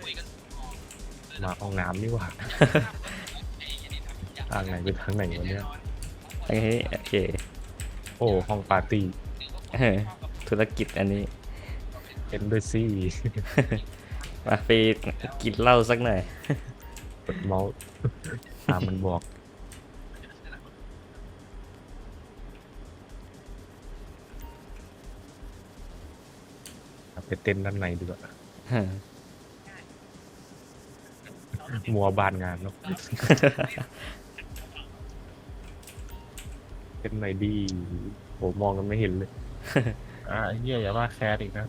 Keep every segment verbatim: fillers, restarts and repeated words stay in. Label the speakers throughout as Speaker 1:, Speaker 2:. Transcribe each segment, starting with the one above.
Speaker 1: มาห้องน้ำนี่หว่าทางไหนเป็นทางไหนวะเนี่ย
Speaker 2: โอเคโอเค
Speaker 1: โอ้ห้องปาร์ตี้
Speaker 2: เออธุรกิจอันนี้
Speaker 1: เอ็นด้วยซี่
Speaker 2: มาไปกินเหล้าสักหน่อย
Speaker 1: กดเมาส์ตามมันบอกไปเต้นด้านในดีกว่ามัวบานงานเนาะ เต้นไหนดีโหมองกันไม่เห็นเลย อ่าเฮียอย่าว่าแคสอีกนะ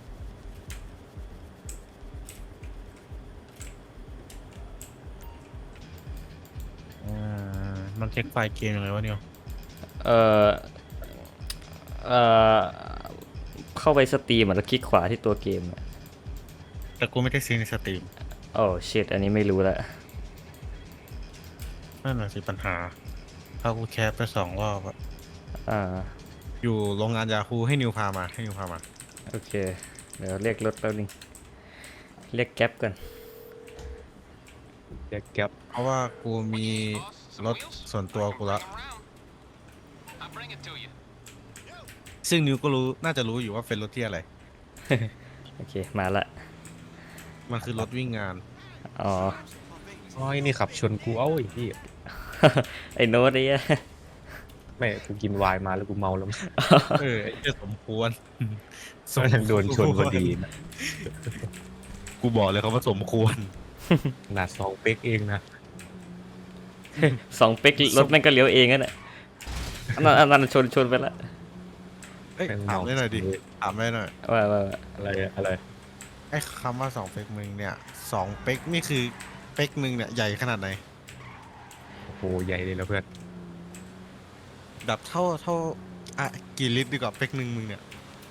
Speaker 1: อ่ามันเช็คไฟล์เกมยังไงวะเนี่ย
Speaker 2: เออเออเข้าไปสตรีมอ่ะแล้วคลิกขวาที่ตัวเกมอ่ะ
Speaker 3: แต่กูไม่ได้ซื้อในสตรีม
Speaker 2: โอ้ชิตอันนี้ไม่รู้ละ
Speaker 3: นั่นแหละสิปัญหาถ้ากูแคปไปสองรอบอะ
Speaker 2: อ่า
Speaker 3: อยู่โรงงานยาคูให้นิวพามาให้นิวพามา
Speaker 2: โอเคเดี๋ยวเรียกรถแป๊บนึงเรียกแก๊ปก่อน
Speaker 1: แจ็คแก๊ป
Speaker 3: เพราะว่ากูมีรถส่วนตัวกูละซึ่งนิวก็รู้น่าจะรู้อยู่ว่าเป็นรถที่อะไร
Speaker 2: โอเคมาละ
Speaker 3: มันคือรถวิ่งงาน
Speaker 2: อ๋อ
Speaker 1: อ้อยนี่ขับชนกูเอ้าไอ้พี่
Speaker 2: ไอ้โน้ตไอ้เหี้ย
Speaker 1: ไม่กูกินไวน์มาแล้วกูเมาแล้ว
Speaker 3: เออไอ้เหี้ยสมควร
Speaker 1: ก็ยังโดนชนพอดีนะ
Speaker 3: กูบอกเลยเขาว่าสมควร
Speaker 1: ขนาดสองเป๊กเองนะ
Speaker 2: สองเป๊กรถแม่งก็เลี้ยวเองนั่นแหละอันนั้นอันนั้นชนชนไปละ
Speaker 3: เอ้ย
Speaker 1: เป็น
Speaker 3: ถาม
Speaker 1: เมา
Speaker 3: ได้หน่อยดิถามได้หน่อย
Speaker 2: ว่าว่าว่า
Speaker 1: อะไรอะไร
Speaker 3: ไอ้คำว่าสองเป๊กมึงเนี่ยสองเป๊กนี่คือเป๊กมึงเนี่ยใหญ่ขนาดไหน
Speaker 1: โอ้โหใหญ่เลยแล้วเพื่อน
Speaker 3: แบบเท่าเท่าอ่ะกี่ลิตรดีกว่าเป๊กหนึ่งมึงเนี่ย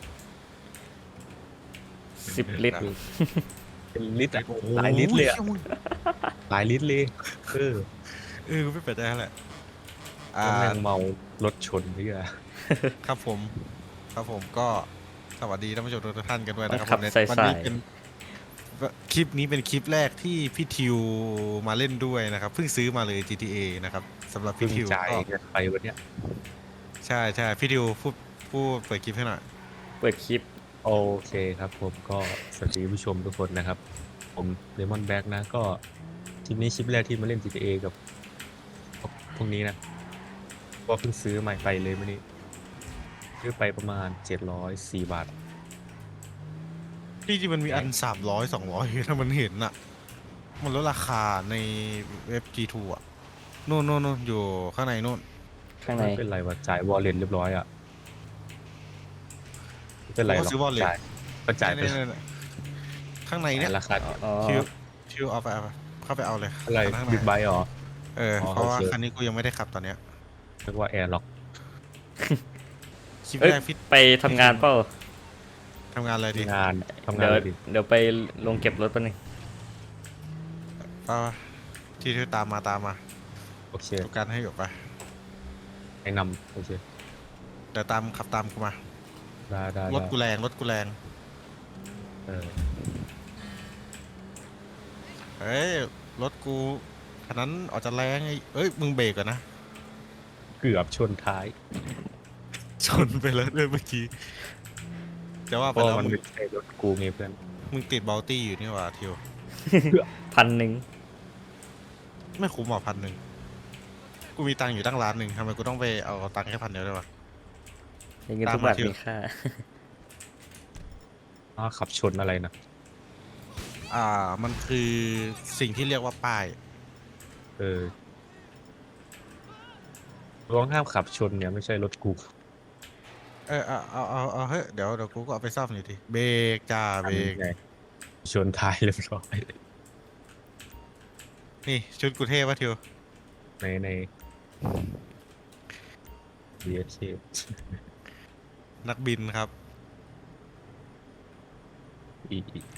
Speaker 2: สิบลิตร
Speaker 1: เป็นลิตรอะหลายลิตรเลยอะ
Speaker 3: โอ้โห
Speaker 1: หลายลิตรเลยเออ
Speaker 3: เออกูไม่แปลกใจแหละอ่า
Speaker 1: ก็แม่งเมารถชนนี่อะ
Speaker 3: ครับผมครับผมก็สวัสดีท่านผู้ชมทุกท่านกันด้วยนะครับ
Speaker 2: ขับ
Speaker 3: ผมเนี่ย
Speaker 2: ใส่
Speaker 3: วั
Speaker 2: ใส่
Speaker 3: นี้เป็นคลิปนี้เป็นคลิปแรกที่พี่ทิวมาเล่นด้วยนะครับเพิ่งซื้อมาเลย จี ที เอ นะครับสำหรับ
Speaker 1: เพิ่
Speaker 3: พี่
Speaker 1: ง
Speaker 3: ทิว
Speaker 1: จ่าย
Speaker 3: ก็
Speaker 1: เงินไปวันเนี้ย
Speaker 3: ใช่ใช่พี่ทิวพูดพูดเปิดคลิปให้หน่อย
Speaker 2: เปิดคลิป
Speaker 1: โอเคครับผมก็สวัสดีผู้ชมทุกคนนะครับ ผมเลมอนแบ็กนะ ก็คลิปนี้คลิปแรกที่มาเล่น จี ที เอ กับพวกนี้นะก็เพิ่งซื้อใหม่ไปเลยวันนี้ซื้อไปประมาณเจ็ดร้อยสี่บาท
Speaker 3: ที่จริงมันมีอันสามร้อยสองร้อยถ้ามันเห็นอะมันลดราคาในเว็บ จี ทู อะนู่นนู่นนู่นอยู่ข้างในนู่น
Speaker 2: ข้างใน
Speaker 1: ไม่เป็นไรว่าจ่ายวอลเล็ตเรียบร้อยอ่ะไม่เป็นไรหรอก
Speaker 3: ซื้อวอลเล็ต
Speaker 1: จ่ายก็จ่ายไป
Speaker 3: เนี่ยเนี่ยข้างในเนี่ย
Speaker 1: ราคา
Speaker 2: อ๋อ
Speaker 3: ทิวทิวเอาไปเอาไปเข้าไปเอาเลย
Speaker 1: อะไร
Speaker 3: ข้างใน
Speaker 1: บิ๊กไบค์เหรอ
Speaker 3: เออ
Speaker 1: อ๋อ
Speaker 3: เพราะว่า
Speaker 1: โอเค
Speaker 3: คันนี้กูยังไม่ได้ขับตอนเนี้ย
Speaker 1: เรียกว่าแอร์ล็อก
Speaker 3: คลิป
Speaker 2: เอ้ย
Speaker 3: แรกพี่
Speaker 2: ไปทำงานเปล่า
Speaker 3: ทำงานอะไรดี
Speaker 1: งานทำงา
Speaker 2: เดี๋
Speaker 1: น
Speaker 2: ยว
Speaker 1: อะไรดิ
Speaker 2: เดี๋ยวไปลงเก็บรถแป๊บนึง
Speaker 3: ป้าที่ที่ตามมาตามมา
Speaker 1: โอเค
Speaker 3: ดูกันให้อยู่ไป
Speaker 1: ไอ้นำโอเค
Speaker 3: เดี๋ยวตามขับตามกูมา
Speaker 1: ได้ได้
Speaker 3: รถ
Speaker 1: ได้
Speaker 3: กูแรงรถกูแรง
Speaker 1: เออ
Speaker 3: เฮ้ยรถกูคันนั้นออกจะแรงไอ้เอ้ยมึงเบรกก่อนนะ
Speaker 1: เกือบชนท้าย
Speaker 3: ชนไปแล้วด้วยเมื่อกี้จะว่า
Speaker 1: เพ
Speaker 3: ไป
Speaker 1: ราะ
Speaker 3: แล้ว
Speaker 1: มัน
Speaker 3: มึง
Speaker 1: ไม่ใช่รถกูไงเพื่อน
Speaker 3: มึงติดบัลตี้อยู่นี่หว่าทิว
Speaker 2: พันหนึ่ง
Speaker 3: ไม่คุ้มหรอพันหนึ่งกูมีตังค์อยู่ตั้งล้านหนึ่งทำไมกูต้องไปเอาตังค์แค่พันเดียวด้วยวะ
Speaker 2: เงินทุกบาทมีค่า
Speaker 1: อ้าวขับชนอะไรนะ
Speaker 3: อ่ามันคือสิ่งที่เรียกว่าป้าย
Speaker 1: เออร้องห้ามขับชนเนี่ยไม่ใช่รถกู
Speaker 3: เออเอาเอาเอาเอาเฮ้ยเดี๋ยวเดี๋ยวกูก็เอาไปซ่อมหน่อยดิเบรกจ้าเบรก
Speaker 1: ไงชนท้ายเรียบร้อย
Speaker 3: นี่ชุดกูเท่ปะทิว
Speaker 1: ในใน บี เอส เค
Speaker 3: นักบินครับ
Speaker 1: อีกอีก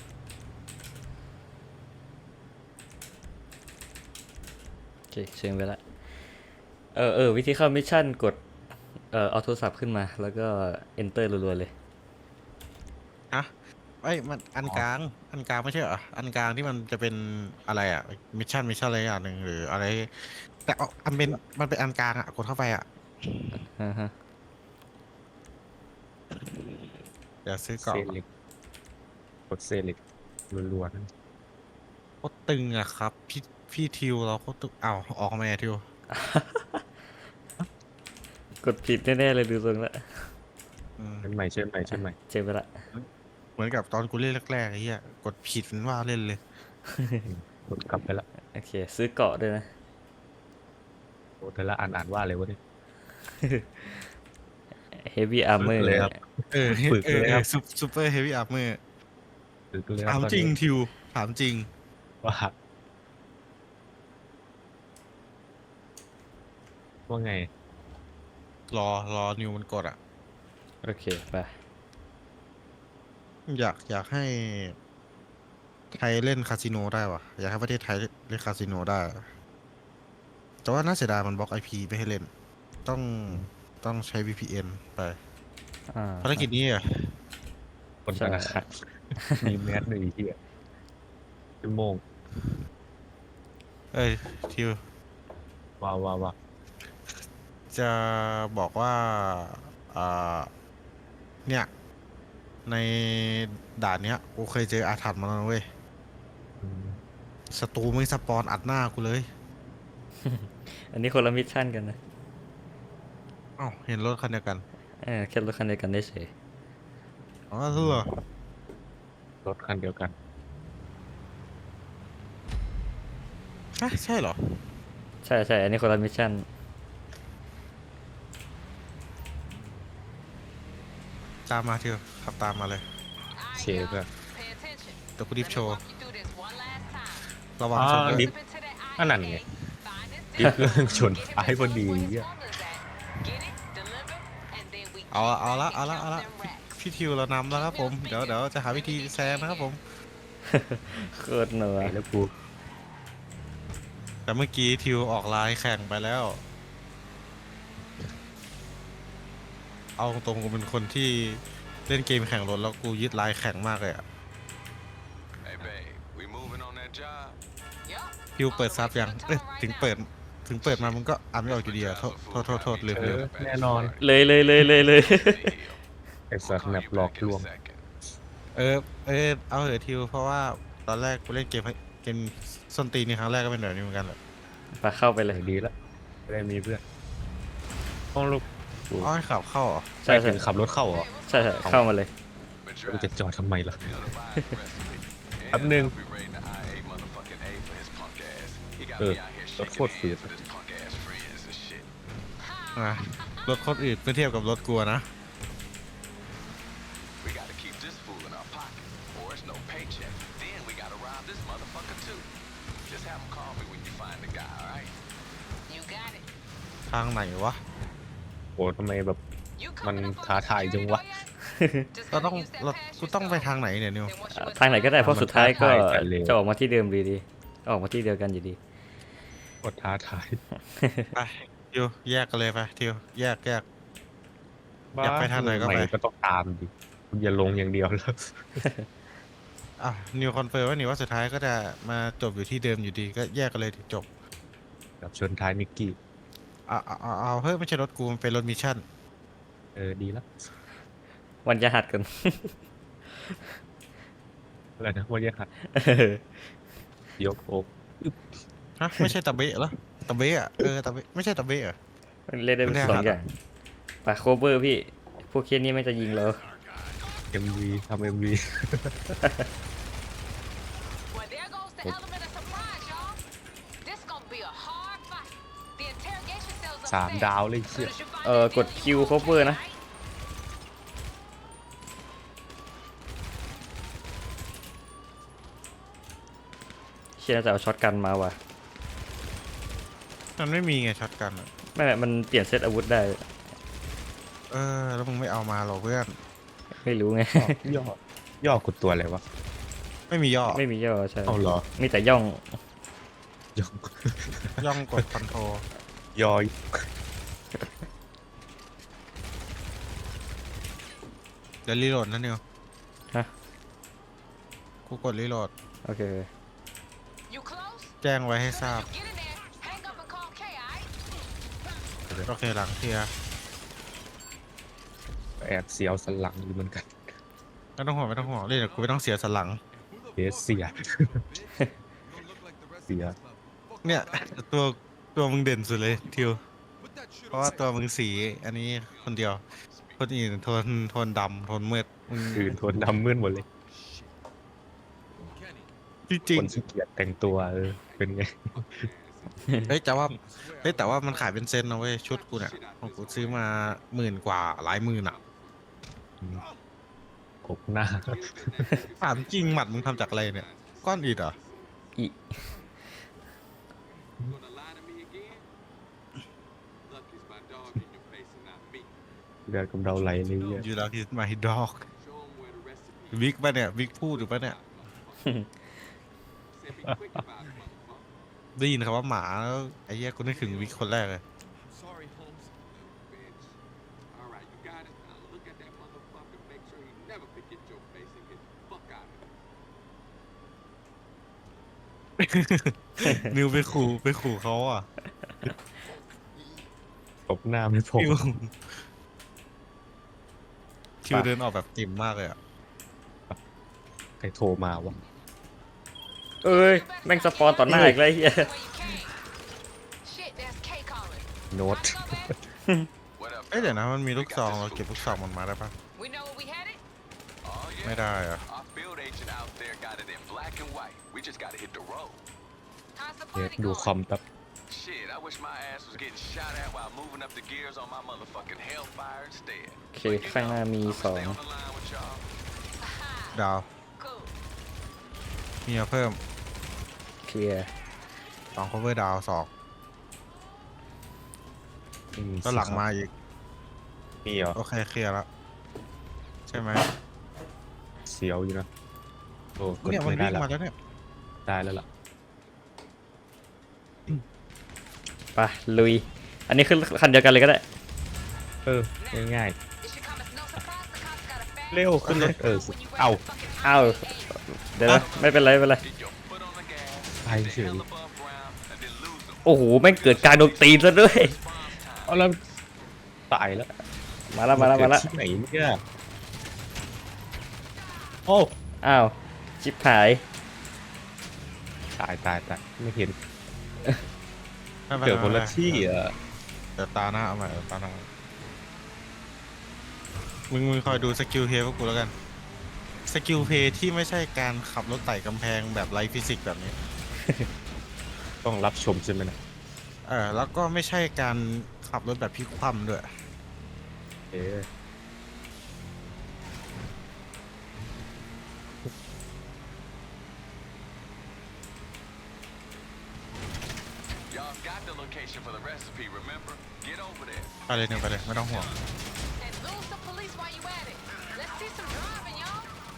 Speaker 2: โอเคเชิญไปละเออเออวิธีเข้ามิชชั่นกดเอ่อเอาโทรศัพท์ขึ้นมาแล้วก็ enter รัวๆเลย
Speaker 3: ฮะไอ้ยมันอันกลางอันกลางไม่ใช่เหรออันกลางที่มันจะเป็นอะไรอ่ะมิชชั่นมิชชั่นอะไรอย่างหนึ่งหรืออะไร แต่เอาอันเป็นมันเป็นอันกลางอ่ะกดเข้าไปอ่ะ
Speaker 2: อ่าฮะ
Speaker 3: เดี๋ยวซื้อ
Speaker 1: เซ
Speaker 3: เกาะ
Speaker 1: เล็กกดเซเล็กรัวๆนั่น
Speaker 3: โคตรตึงอะครับพี่พี่ทิวเราโคตรตึงอ้าวออกมาไงทิว
Speaker 2: กดผิดแน่ๆเลยดูทรงละ
Speaker 3: อืม
Speaker 1: เชิญใหม่เชิญใหม่เชิญใหม่
Speaker 2: เจอไปละ
Speaker 3: เหมือนกับตอนกูเล่นแรกๆไอ้เหี้ยกดผิดมันว่าเล่นเลย
Speaker 1: กดกลับไปละ
Speaker 2: โอเค ซื้อเกาะด้วยนะ
Speaker 1: โอ้แต่ละอ่านอ่านว่าอะไรวะเนี่ย
Speaker 2: heavy armor
Speaker 1: เลยครับ
Speaker 3: เออ
Speaker 1: ฝึก
Speaker 3: เออ
Speaker 1: เลย
Speaker 3: เอ
Speaker 1: ครั
Speaker 3: อบ ซูเปอร์เฮฟวี่อาร์เมอร์
Speaker 1: ฝึกเลยค
Speaker 3: ถา
Speaker 1: รับ
Speaker 3: ม
Speaker 1: ตอน
Speaker 3: จริง
Speaker 1: นี้
Speaker 3: ทิวถามจริง
Speaker 1: ว่าว่าไง
Speaker 3: รอรอนิวมันกดอ่ะ
Speaker 2: โอเค ไป
Speaker 3: อยากอยากให้ไทยเล่นคาสิโนได้วะอยากให้ประเทศไทยเล่นคาสิโนได้ แต่ว่าน่าเสียดายมันบล็อกไอพีไม่ให้เล่น ต้องต้องใช้ วี พี เอ็น ไป
Speaker 2: อ่า
Speaker 3: ภารกิจนี้อ่ะ
Speaker 1: คน
Speaker 2: ใช่
Speaker 1: ธนาคารมีแมสหนึ่งอีกทีอะชั่วโมง
Speaker 3: เอ้ยทิว
Speaker 1: ว้าวว้าวว้าว
Speaker 3: จะบอกว่าอ่าเนี่ย ในด่านเนี้ยกูเคยเจออาถรรพ์มาแล้วนะเว้ย
Speaker 1: อืม
Speaker 3: ศัตรูไม่สปอนอัดหน้ากูเลย
Speaker 2: อันนี้คนละมิชชั่นกันนะ
Speaker 3: อ้าวเห็นรถคันเดียวกัน
Speaker 2: เออแค่รถคันเดียวกันได้เฉย
Speaker 3: อ๋อเสื้อ
Speaker 1: รถคันเดียวกัน
Speaker 3: ฮะใช่เหรอ
Speaker 2: ใช่ใช่อันนี้คนละมิชชั่น
Speaker 3: ตามมาทิวขับตามมาเลย
Speaker 1: เชฟอะ
Speaker 3: เดี๋ยวกูดิฟโชว์ ระวัง
Speaker 1: อ๋อ
Speaker 3: ชนด้วย
Speaker 1: ดิฟ อันนั้นไงดิฟเครื่องชนท้ายพอดีเหี้ย
Speaker 3: เอาละเอาละเอาละเอาละพี่ทิวเรานำแล้วครับผม เดี๋ยวเดี๋ยวจะหาวิธีแซงนะครับผม
Speaker 2: โคตรหนัว
Speaker 1: ไปแล้วกู
Speaker 3: แต่เมื่อกี้ทิวออกไลน์แข่งไปแล้ว เอาตรงๆกูเป็นคนที่เล่นเกมแข่งรถแล้วกูยึดไลน์แข่งมากเลยอะ
Speaker 4: Hey babe, we moving on that job?
Speaker 3: ทิวเปิดซับยังเอ้ยถึงเปิดถึงเปิดมามึงก็อ่านไม่ออกอยู่ดีอะโทษโทษโทษโทษลืม
Speaker 1: เอ
Speaker 3: ลืม
Speaker 1: อแน่นอน
Speaker 2: เลยเลยเลยเลยเลย
Speaker 1: ไอ้สัตว์แมปหลอกลวง
Speaker 3: เออเออเอาเถอะทิวเพราะว่าตอนแรกกูเล่นเกมเกมส้นตีนนี่ครั้งแรกก็เป็นแบบนี้เหมือนกันแหละ
Speaker 2: ไปเข้าไปเลย
Speaker 1: ดีแล้วไม่ได้มีเพื่อนต้องลูก
Speaker 3: อ๋อให้ขับเข้าเหรอ
Speaker 2: ใช่
Speaker 1: ใช่
Speaker 2: ใช่
Speaker 1: ถึงขับรถเข้าเหรอ
Speaker 2: ใช่ใช่เข้ามาเลย
Speaker 1: กูจะจอดทำไมล่ะ แป๊บนึง เออรถโคตรฝืด
Speaker 3: อ่ะรถคนอื่นเมื่อเทียบกับรถกลัวนะ
Speaker 4: We gotta keep this fool in our pocket, or it's no paycheck. Then we gotta rob this motherfucker too. Just have him call me when you find the guy, alright?
Speaker 3: ทางไหนวะ
Speaker 1: โอ้ทำไมแบบ มันท้าทายจังวะ
Speaker 3: เราต้องเรากูต้องไปทางไหนเนี่ยนิว
Speaker 2: อ่าทางไหนก็ได้เพราะ
Speaker 1: มัน
Speaker 2: สุดท้ายก็
Speaker 1: ท้าทายกันเลย
Speaker 2: จะออกมาที่เดิมดีดีออกมาที่เดียวกันอยู่ดี
Speaker 1: โคตรท้าทาย
Speaker 3: ไปทิวแยกกันเลยไปทิวแยกแยก อยากไปทางไหนก็ไป
Speaker 1: ก็ต้องตามดิคุณอย่าลงอย่างเดียวแล้ว
Speaker 3: อ่ะนิวคอนเฟิร์มว่านิวว่าสุดท้ายก็จะมาจบอยู่ที่เดิมอยู่ดีก็แยกกันเลยจบ
Speaker 1: กับชนท้ายนิกกี้
Speaker 3: เอาเอาเอาเอาเฮ้ยไม่ใช่รถกูมันเป็นรถมิชชั่น
Speaker 1: เออดีแล้ว
Speaker 2: วันจะหัดกัน
Speaker 1: อะไรนะว่าแยกหัดยกอก
Speaker 3: ฮะไม่ใช่ตะเบะเหรอตะเบะอ่ะเออตะเบะไม่ใช่ตะเบะเหรอ
Speaker 2: มันเล่นได้เป็น
Speaker 3: ไม่ได้
Speaker 2: สอง
Speaker 3: หัด
Speaker 2: อย่างไปโคเวอร์พี่ พวกเคสนี้ไม่จะยิงเรา
Speaker 1: เอ็มวีทำเอ็มวี
Speaker 5: Well, there goes the element of surprise, y'all. This gonna be a hard fight. The interrogation cells
Speaker 1: สาม
Speaker 5: upstairs.
Speaker 1: ดาวเลยเชี่ย
Speaker 5: Soon as you find
Speaker 2: เอ่อ
Speaker 5: that
Speaker 2: กด
Speaker 5: dealer,
Speaker 2: คิว
Speaker 5: you
Speaker 2: โค
Speaker 5: gonna
Speaker 2: เวอร์
Speaker 5: take
Speaker 2: นะ
Speaker 5: it, right?
Speaker 2: เชียร์จะเอาช็อตกันมาว่ะ
Speaker 3: มันไม่มีไงช็อตกันอะ
Speaker 2: ไม่ไม่มันเปลี่ยนเซตอาวุธได้
Speaker 3: เออแล้วมึงไม่เอามาหรอเพื่อน
Speaker 2: ไม่รู้ไง
Speaker 1: ย่อย่อกดตัวอะไรวะ
Speaker 3: ไม่มีย่อ
Speaker 2: ไม่มีย่อใช่
Speaker 1: เอาเหรอ
Speaker 2: มีแต่ย่อง
Speaker 1: ย่อ
Speaker 3: ย่องกดคอนโทร
Speaker 1: ย่อย
Speaker 3: เดี๋ยวรีโหลดนะนิว
Speaker 2: ฮะ
Speaker 3: กูกดรีโหลด
Speaker 2: โอเค
Speaker 5: You close?
Speaker 3: แจ้งไว้ให้ท
Speaker 5: So
Speaker 3: ราบ
Speaker 5: you get in there, hang up and call K, alright?
Speaker 3: โอเคหลังเคลียร์
Speaker 1: แอบเสียวสันหลังอยู่เหมือนกัน
Speaker 3: ไม่ต้องห่วงไม่ต้องห่วงเล่นเดี๋ยวกูไม่ต้องเสียสนหลัง
Speaker 1: เสียเสีย เสีย
Speaker 3: เนี่ยตัวตัวมึงเด่นสุดเลยทิว เพราะว่าตัวมึงสีอันนี้คนเดียว คนอื่นโทนโทนดำโทนมืดมึง
Speaker 1: อื่นโทนดำมืดหมดเลย
Speaker 3: จริง
Speaker 1: คนขี้เกียจแต่งตัวเออเป็นไง
Speaker 3: ๆเฮ้ยแต่ว่าเฮ้ยแต่ว่ามันขายเป็นเซนนะเว้ยชุดกูเนี่ยของกูซื้อมาหมื่นกว่าหลายหมื่นอ่ะ
Speaker 1: กบหน้า
Speaker 3: ถามจริงหมัดมึงทำจากอะไรเนี่ย ก้อนอิฐเหรอ
Speaker 2: อี
Speaker 1: เดือดกำเดาไหลเลยเนี่ย
Speaker 3: อยู่แล้วที่มาฮิดอกวิกปะเนี่ยวิกพูดหรือปะเนี่ยได้ยินคำว่าหมาแล้วไอ้เหี้ยกูนึกถึงวิกคนแรกเลย
Speaker 6: Sorry, Holmes. All right, you got it. Now look at that motherfucker. Make sure he never forget your face and get the fuck out of here.
Speaker 3: นิวไปขู่ไปขู่เขาอ่ะ
Speaker 1: กบหน้าไม่พอ
Speaker 3: คิวคิวเดินออกแบบจิ๋มมากเลยอ่ะ
Speaker 1: ใครโทรมาวะ
Speaker 2: เอ้ย แม่งสปอนต่อหน้าอีกเลยเฮีย
Speaker 5: Where you came. Shit, that's K calling.
Speaker 1: โน้ต
Speaker 5: Wanna go back?
Speaker 4: What up?
Speaker 3: เอ้ยเดี๋ยวนะมันมีลูกซองเราเก็บลูกซองมันมาได้ปะ
Speaker 5: We know where we headed?
Speaker 4: Oh, yeah.
Speaker 3: ไม่ได้อ่ะ
Speaker 4: Our field agent out there got it in black and white. We just gotta hit the road.
Speaker 5: How's the
Speaker 1: เดี๋ยว
Speaker 5: party
Speaker 1: ดู
Speaker 5: going?
Speaker 1: คอมแป๊บ
Speaker 4: Shit, I wish my ass was getting shot at while moving up the gears on my motherfucking Hellfire instead.
Speaker 2: โอเค ข้างหน้ามีสอง
Speaker 4: Stay on the line with y'all.
Speaker 5: Aha,
Speaker 3: ดาว
Speaker 5: cool.
Speaker 3: มีมาเพิ่ม
Speaker 2: เคลียร์
Speaker 3: สอง cover ดาวสอง
Speaker 1: ไม่มี
Speaker 3: ก็หลังมาอีก
Speaker 1: มีเหรอ
Speaker 3: โอเคเคลียร์แล้วใช่ไหม
Speaker 1: เสียวอยู่นะโอ้กด
Speaker 3: เนี่ยมัน
Speaker 1: ไม่ได้
Speaker 3: วิ่ง
Speaker 1: ละ
Speaker 3: มาแล้วเนี่ย
Speaker 1: ได้แล้วล่ะ
Speaker 2: ไปลุย อันนี้ขึ้นคันเดียวกันเลยก็ได้
Speaker 1: เออง่าย
Speaker 5: It should come as no surprise the cops got a fast
Speaker 1: ๆเร็วขึ้นรถเออ
Speaker 5: when you
Speaker 1: เอา
Speaker 5: ready to fucking
Speaker 2: อ้าว เดี๋ยวนะไม่เป็นไรไม่เป็นไร
Speaker 4: Get your foot on the gas,
Speaker 1: ไปเฉ
Speaker 4: stay
Speaker 1: ย
Speaker 4: hell above ground, and then lose them.
Speaker 2: โอ้โห แม่งเกิดการโดนตีนซะด้วย
Speaker 1: เอาแล้วตายแล้ว
Speaker 2: มาแล้วมาแล้วมาแล้ว
Speaker 1: เกิดที่ไหนเนี่ยโอ้
Speaker 2: อ้าว ชิบหาย
Speaker 1: ตายตายตายไม่เห็น
Speaker 3: ไม่ป็ไร
Speaker 1: เกิดคนละ
Speaker 3: ไม่ป็ไร
Speaker 1: ที่อ่ะ
Speaker 3: เดี๋ยวตาหน้าเอาใหม่เดี๋ยวตาหน้ามึงมึงคอยดูสกิลเพย์พวกกูแล้วกัน สกิลเพย์ที่ไม่ใช่การขับรถไต่กำแพงแบบไร้ฟิสิกส์แบบนี้
Speaker 1: ต้องรับชมใช่ไหมนะ
Speaker 3: เออแล้วก็ไม่ใช่การขับรถแบบพลิกคว่ำด้วย
Speaker 1: เอ๊ะ
Speaker 4: Y'all got the location for the recipe, remember? Get over there.
Speaker 3: ไปเลยหนึ่งไปเลยไม่ต้องห่วง
Speaker 5: and lose the police while you at it. Let's see some driving, y'all.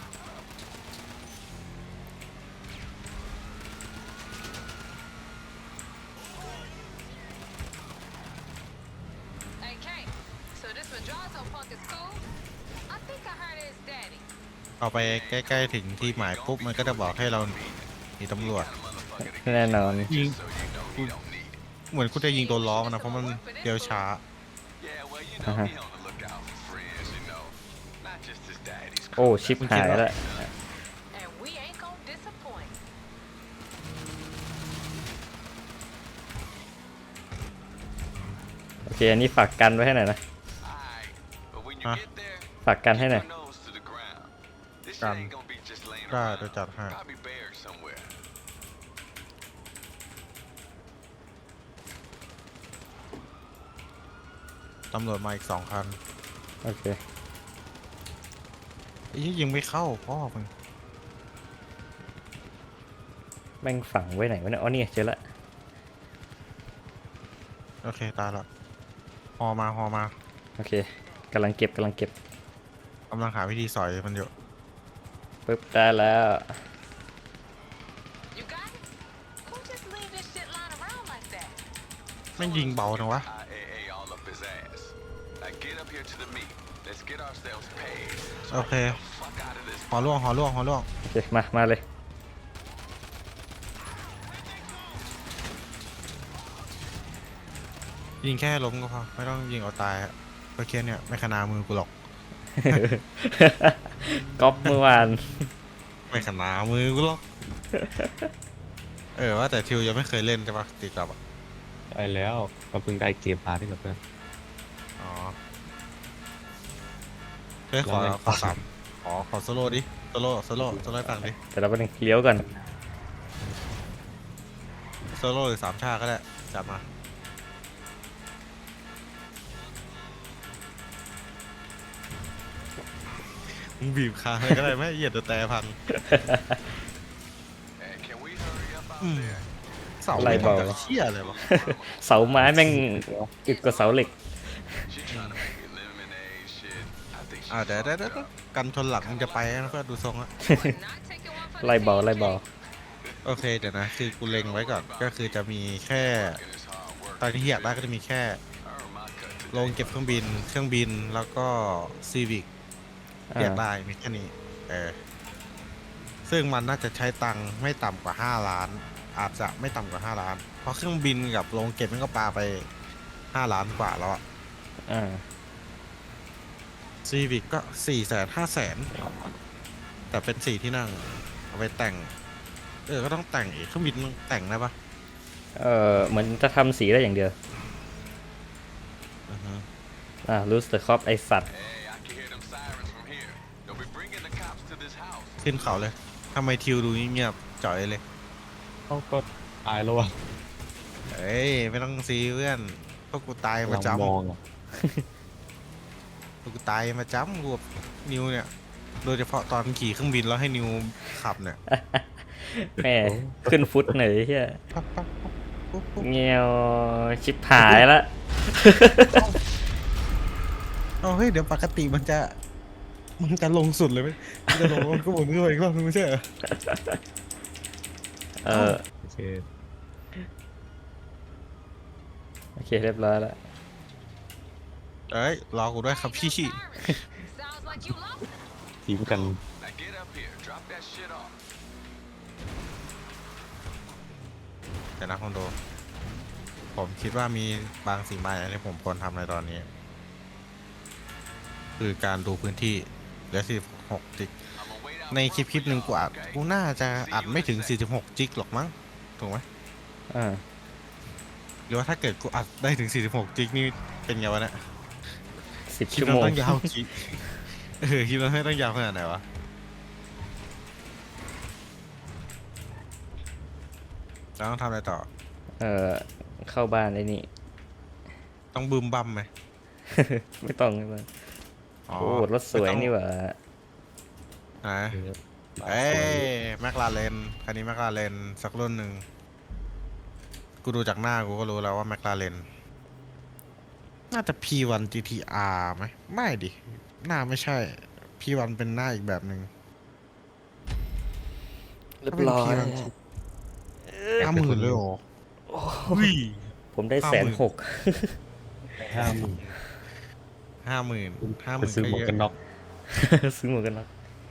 Speaker 5: Hey, Kane. So this Madrazo punk is cool? I think I heard his daddy.
Speaker 3: เอาไปใกล้ๆถึงที่หมายปุ๊บมันก็จะบอกให้เราหนีตำรวจ
Speaker 2: แน่นอน
Speaker 3: ยิงเหมือนกูจะยิงตัวล้อมันนะเพราะมันเดียวช้า
Speaker 4: Yeah, well, you know,
Speaker 2: Uh-huh.
Speaker 4: he on the lookout for friends, you know. Not just his daddy's
Speaker 2: โอ้ ชิบหายแล้ว
Speaker 5: And we ain't gonna disappoint.
Speaker 2: โอเค อันนี้ฝากกันไว้ให้หน่อยนะ
Speaker 4: Alright, but when you
Speaker 3: Huh?
Speaker 4: get there,
Speaker 2: ฝากกันให้หน่อย
Speaker 4: keep your nose to the ground. This shit
Speaker 3: Gun.
Speaker 4: ain't gonna be just laying
Speaker 3: ได้
Speaker 4: around.
Speaker 3: เดี๋ยวจัดให้
Speaker 4: Probably buried somewhere.
Speaker 3: ตำรวจมาอีกสองคัน
Speaker 2: โอเค
Speaker 3: ไอ้เหี้ยยิงไม่เข้าพ่อมึง
Speaker 2: แม่งฝังไว้ไหนวะเนี่ย อ๋อนี่เจอละ
Speaker 3: โอเคตายละฮอมาฮอมา
Speaker 2: โอเคกำลังเก็บกำลังเก็บ
Speaker 3: กำลังหาวิธีสอยมันอยู่
Speaker 2: ปึ๊บ ได้แล้ว
Speaker 5: You got it? Who just leave this shit lying around like that?
Speaker 3: ไม่งยิงเบาจังวะ
Speaker 4: I A A all up his ass. Now get up here to the meet. Let's get ourselves paid.
Speaker 3: โอเค
Speaker 4: Fuck out of this.
Speaker 3: หอล่วงหอล่วงหอล่วง
Speaker 2: โอเค มา มาเลย
Speaker 3: ยิงแค่ล้มก็พอไม่ต้องยิงเอาตายอะเพราะแค่เนี่ยไม่ขนามือกูหรอก
Speaker 2: ก๊อปเมื่อวาน
Speaker 3: ไม่ขนามือกูหรอก เออว่าแต่ทิวยังไม่เคยเล่นใช่ปะตีกลับอ่ะ
Speaker 1: ได้แล้วก็เพิ่งได้เกมพาร์ที่กับเพื่อน
Speaker 3: อ๋อเฮ้ยขอ
Speaker 1: แล้วไง
Speaker 3: ขอสามขอขอโซโล่ดิโซโล่โซโล่โซโล่ให้ฟังดิ
Speaker 2: แต่เราไปหนึ่งเลี้ยวก่อน
Speaker 3: โซโล่หรือสามชาก็ได้จัดมามึงบีบคางเลยก็ได้ไหมเหยียดแต่แต่พัง
Speaker 4: Hey, can we hurry up out
Speaker 3: Mm.
Speaker 4: there?
Speaker 3: เสา
Speaker 2: ไล่เบา
Speaker 3: ม่ทำจากเชี่ยเลยวะ
Speaker 2: เสาไม้แม่งอึดกว่าเสาเหล็ก
Speaker 4: She trying to make me lemonade shit. I think she's
Speaker 3: อ่าเดี๋ยวเดี๋ยวเดี๋ยว
Speaker 4: fucked up.
Speaker 3: กันชนหลังมึงจะไปนะเพื่อนดูทรงอะ
Speaker 5: Not taking one for the
Speaker 2: ไล่เบา
Speaker 5: team,
Speaker 2: ไล่เบา
Speaker 5: Jake.
Speaker 3: โอเคเดี๋ยวนะคือกูเล็งไว้ก่อนก็คือจะมีแค่
Speaker 4: And it's hard work.
Speaker 3: ตอนที่อยากได้ก็จะมีแค่
Speaker 4: Earn my cut today.
Speaker 3: โรงเก็บเครื่องบิน เครื่องบินแล้วก็ซีวิก
Speaker 2: อ่า
Speaker 3: อยากได้มีแค่นี้เออซึ่งมันน่าจะใช้ตังค์ไม่ต่ำกว่าห้าล้าน อาจจะไม่ต่ำกว่าห้าล้าน เพราะเครื่องบินกับโรงเก็บมันก็ปาไปห้าล้านกว่าแล้วอะ
Speaker 2: อ่า
Speaker 3: ซีวิกก็สี่แสนห้าแสนแต่เป็นสี่ที่นั่งเอาไปแต่ง เออก็ต้องแต่งอีกเครื่องบินมึงแต่งได้ปะ
Speaker 2: เออเหมือนจะทำสีได้อย่างเดียว
Speaker 3: อือฮึ
Speaker 2: อ่ารูสเตอร์คอปไอสัตว์
Speaker 4: Hey, I can hear them sirens from here. They'll be bringing the cops to this house.
Speaker 3: ขึ้นเขาเลยทำไมทิวดูเงียบๆจ่อยเลย
Speaker 1: เขาก็ตายแล้วอ่ะ
Speaker 3: เอ้ยไม่ต้องซีเพื่อนพวกกูตายมาจำ
Speaker 1: มองอะ
Speaker 3: พวกกูตายมาจำกูกับนิวเนี่ย โดยเฉพาะตอนขี่เครื่องบินแล้วให้นิวขับเนี่ย
Speaker 2: แม่ขึ้นฟุตหน่อยเฮีย
Speaker 3: ปั๊บปั๊บปั๊บปุ๊บปุ๊บ
Speaker 2: เงี้ยวชิบหายละ
Speaker 3: เอาเฮ้ยเดี๋ยวปกติมันจะมันจะลงสุดเลยไหมมันจะลงมันก็หมุนขึ้นไปอีกรอบนึงไม่ใช่เหรอ
Speaker 2: เออ
Speaker 1: โอเค
Speaker 2: โอเคเรียบร้อยแล้ว
Speaker 3: เอ้ยรอกูด้วยครับพี่
Speaker 5: Sirens. Sounds like you lost it.
Speaker 1: ทีมกัน
Speaker 4: Now get up here. Drop that shit off.
Speaker 3: แต่นะคอนโด ผมคิดว่ามีบางสิ่งบางอย่างที่ผมควรทำในตอนนี้ คือการดูพื้นที่เหลือสี่สิบหกจิก
Speaker 4: I'ma wait out
Speaker 3: ในคลิป
Speaker 4: front
Speaker 3: คลิป
Speaker 4: for
Speaker 3: หนึ่ง
Speaker 4: y'all,
Speaker 3: กูอัด
Speaker 4: okay?
Speaker 3: กูน่าจะอัดไม่ถึงสี่สิบหกจิกหรอกมั้งถูกไหม
Speaker 2: อ่า
Speaker 3: หรือว่าถ้าเกิดกูอัดได้ถึงสี่สิบหกจิกนี่เป็นไงวะเนี่ย
Speaker 2: สิบ
Speaker 3: คลิป
Speaker 2: ชั่ว
Speaker 3: นั้
Speaker 2: โม
Speaker 3: น
Speaker 2: ง
Speaker 3: ต้องยาวกี่ เออคลิปนั้นไม่ต้องยาวขนาดไหนวะแล้วต้องทำอะไรต่อ
Speaker 2: เออเข้าบ้านไอ้นี่
Speaker 3: ต้องบึมบัมไหม
Speaker 2: ไม่ต้องไม่ต้องโอ้รถสวยนี่หว่า
Speaker 3: ไหนเอ้ยแมคลาเรนคันนี้แมคลาเรนสักรุ่นหนึ่งกูดูจากหน้ากูก็รู้แล้วว่าแมคลาเรนน่าจะ พี วัน จี ที อาร์ ไหมไม่ดิ หน้าไม่ใช่ พี วัน เป็นหน้าอีกแบบหนึ่ง
Speaker 2: เรียบร้อย
Speaker 3: ห้าหมื่นเลยเหรออุ้ย
Speaker 2: ผมได้
Speaker 3: ห้า
Speaker 2: แส
Speaker 3: หมื่
Speaker 2: น
Speaker 3: น
Speaker 2: หก
Speaker 1: ห้าหมื่น
Speaker 3: ห้าหมื่นห้าห
Speaker 1: ไป
Speaker 3: มื่น
Speaker 1: ซื้อ
Speaker 3: ก็
Speaker 1: หมวก
Speaker 3: เย
Speaker 1: กันน็อ
Speaker 3: อะ
Speaker 1: ก
Speaker 2: ซื้อหมวกกันน็อก